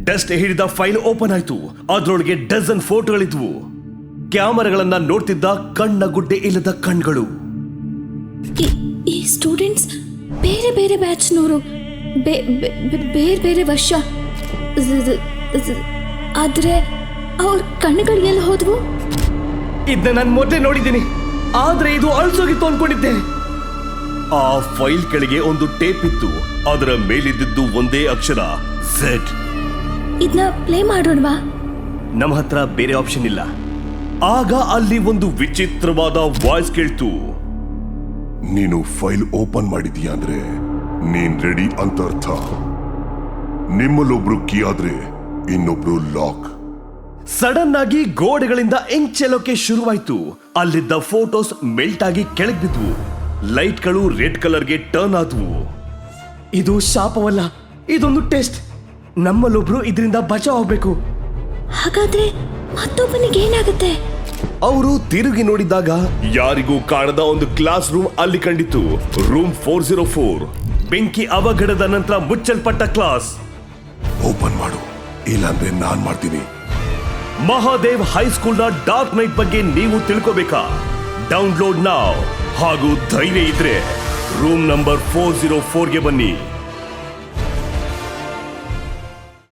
Dust ಹಿಡಿದ file open ಆಯ್ತು. ಅದರೊಳಗೆ ಡಜನ್ ಫೋಟೋಗಳಿದ್ವು. ಕ್ಯಾಮರಾಗಳನ್ನ ನೋಡ್ತಿದ್ದ ಕಣ್ಣ ಗುಡ್ಡೆ ಇಲ್ಲದ ಕಣ್ಗಳು. ಈ ಸ್ಟೂಡೆಂಟ್ಸ್ ಬೇರೆ ಬೇರೆ ಬ್ಯಾಚ್ನವರು, ಬೇರೆ ಬೇರೆ ವರ್ಷ. ಆದ್ರೆ ಅವ್ರ ಕಣ್ಣುಗಳು ಎಲ್ಲಿ ಹೋದ್ವು? ಇದನ್ನ ನಾನು ಮೊದಲೇ ನೋಡಿದ್ದೀನಿ, ಆದ್ರೆ ಇದು ಅಳ್ಸೋಗಿತ್ತು ಅನ್ಕೊಂಡಿದ್ದೆ. ಆ ಫೈಲ್ ಕೆಳಗೆ ಒಂದು ಟೇಪ್ ಇತ್ತು. ಅದರ ಮೇಲಿದ್ದು ಒಂದೇ ಅಕ್ಷರ Z. ಇದನ್ನ ಪ್ಲೇ ಮಾಡೋಣವಾ? ನಮ್ಮ ಹತ್ರ ಬೇರೆ ಆಪ್ಷನ್ ಇಲ್ಲ. ಆಗ ಅಲ್ಲಿ ಒಂದು ವಿಚಿತ್ರವಾದ ವಾಯ್ಸ್ ಕೇಳ್ತು. ನೀನು ಫೈಲ್ ಓಪನ್ ಮಾಡಿದೀಯ ಅಂದ್ರೆ ನೀನ್ ರೆಡಿ ಅಂತ ಅರ್ಥ. ನಿಮ್ಮಲ್ಲೊಬ್ರು ಕೀ ಆದ್ರೆ ಇನ್ನೊಬ್ರು ಲಾಕ್. ಸಡನ್ ಆಗಿ ಗೋಡೆಗಳಿಂದ ಎಂಚೆಲೋಕೆ ಶುರುವಾಯ್ತು. ಅಲ್ಲಿದ್ದ ಫೋಟೋಸ್ ಮೆಲ್ಟ್ ಆಗಿ ಕೆಳಗೆ ಬಿದ್ವು. ಲೈಟ್ಗಳು ರೆಡ್ ಕಲರ್ಗೆ ಟರ್ನ್ ಆದ್ವು. ಇದು ಶಾಪವಲ್ಲ, ಇದೊಂದು ಟೆಸ್ಟ್. ನಮ್ಮಲ್ಲೊಬ್ರು ಇದರಿಂದ ಬಚಾವ್ ಆಗ್ಬೇಕು. ಹಾಗಾದ್ರೆ ಮತ್ತೊಬ್ಬನಿಗೆ ಏನಾಗುತ್ತೆ? ಅವರು ತಿರುಗಿ ನೋಡಿದಾಗ ಯಾರಿಗೂ ಕಾಣದ ಒಂದು ಕ್ಲಾಸ್ ರೂಮ್ ಅಲ್ಲಿ ಕಂಡಿತು. ರೂಮ್ 404. ಬೆಂಕಿ ಅವಘಡದ ನಂತರ ಮುಚ್ಚಲ್ಪಟ್ಟ ಕ್ಲಾಸ್. ಓಪನ್ ಮಾಡು, ಇಲ್ಲಾಂದ್ರೆ ನಾನ್ ಮಾಡ್ತೀನಿ. ಮಹಾದೇವ್ ಹೈಸ್ಕೂಲ್ನ ಡಾರ್ಕ್ ನೈಟ್ ಬಗ್ಗೆ ನೀವು ತಿಳ್ಕೋಬೇಕಾ? ಡೌನ್ಲೋಡ್ ನಾವ್. ಹಾಗೂ ಧೈರ್ಯ ಇದ್ರೆ ರೂಮ್ ನಂಬರ್ 404ಗೆ ಬನ್ನಿ.